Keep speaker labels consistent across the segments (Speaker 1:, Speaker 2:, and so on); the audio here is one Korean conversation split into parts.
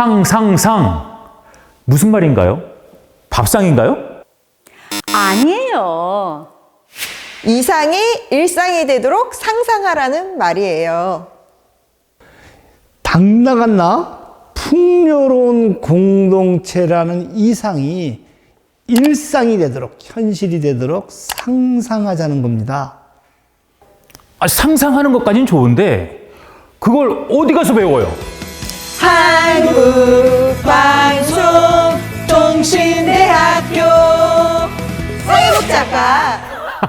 Speaker 1: 상상상. 무슨 말인가요? 밥상인가요?
Speaker 2: 아니에요.
Speaker 3: 이상이 일상이 되도록 상상하라는 말이에요.
Speaker 4: 당당한 풍요로운 공동체라는 이상이 일상이 되도록, 현실이 되도록 상상하자는 겁니다.
Speaker 1: 상상하는 것까진 좋은데 그걸 어디 가서 배워요?
Speaker 3: 한국방송통신대학교 사회복작가.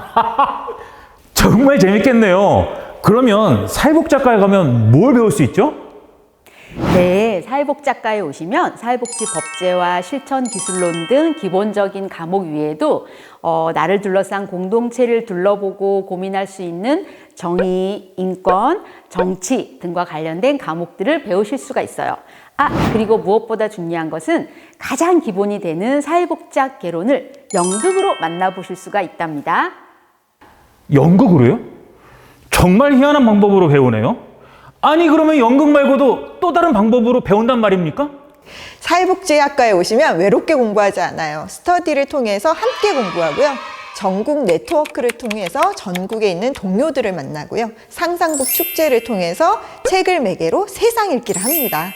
Speaker 1: 정말 재밌겠네요. 그러면 사회복작과에 가면 뭘 배울 수 있죠?
Speaker 2: 네, 사회복작과에 오시면 사회복지 법제와 실천 기술론 등 기본적인 과목 외에도 나를 둘러싼 공동체를 둘러보고 고민할 수 있는 정의, 인권, 정치 등과 관련된 과목들을 배우실 수가 있어요. 그리고 무엇보다 중요한 것은 가장 기본이 되는 사회복작 개론을 연극으로 만나보실 수가 있답니다.
Speaker 1: 연극으로요? 정말 희한한 방법으로 배우네요. 아니 그러면 연극 말고도 또 다른 방법으로 배운단 말입니까?
Speaker 3: 사회복지학과에 오시면 외롭게 공부하지 않아요. 스터디를 통해서 함께 공부하고요. 전국 네트워크를 통해서 전국에 있는 동료들을 만나고요. 상상북 축제를 통해서 책을 매개로 세상 읽기를 합니다.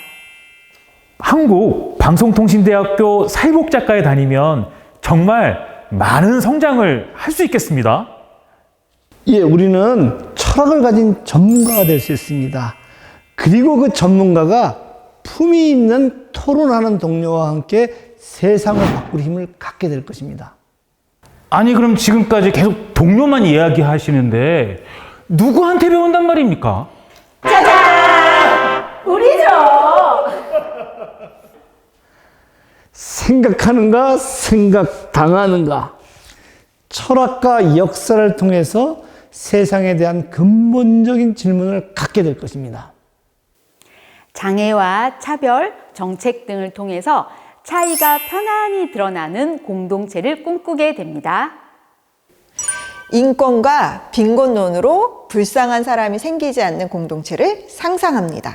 Speaker 1: 한국방송통신대학교 사회복작과에 다니면 정말 많은 성장을 할 수 있겠습니다.
Speaker 4: 예, 우리는 철학을 가진 전문가가 될 수 있습니다. 그리고 그 전문가가 품위 있는 토론하는 동료와 함께 세상을 바꿀 힘을 갖게 될 것입니다.
Speaker 1: 아니 그럼 지금까지 계속 동료만 이야기하시는데 누구한테 배운단 말입니까?
Speaker 2: 우리죠!
Speaker 4: 생각하는가, 생각당하는가. 철학과 역사를 통해서 세상에 대한 근본적인 질문을 갖게 될 것입니다.
Speaker 2: 장애와 차별, 정책 등을 통해서 차이가 편안히 드러나는 공동체를 꿈꾸게 됩니다.
Speaker 3: 인권과 빈곤론으로 불쌍한 사람이 생기지 않는 공동체를 상상합니다.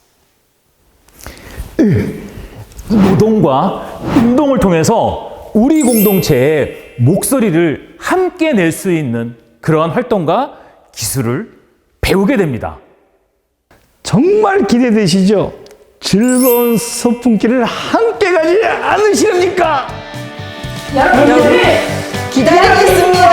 Speaker 1: 노동과 운동을 통해서 우리 공동체의 목소리를 함께 낼 수 있는 그러한 활동과 기술을 배우게 됩니다.
Speaker 4: 정말 기대되시죠? 즐거운 소풍길을 함께 가지 않으시렵니까?
Speaker 3: 여러분들 기다리겠습니다.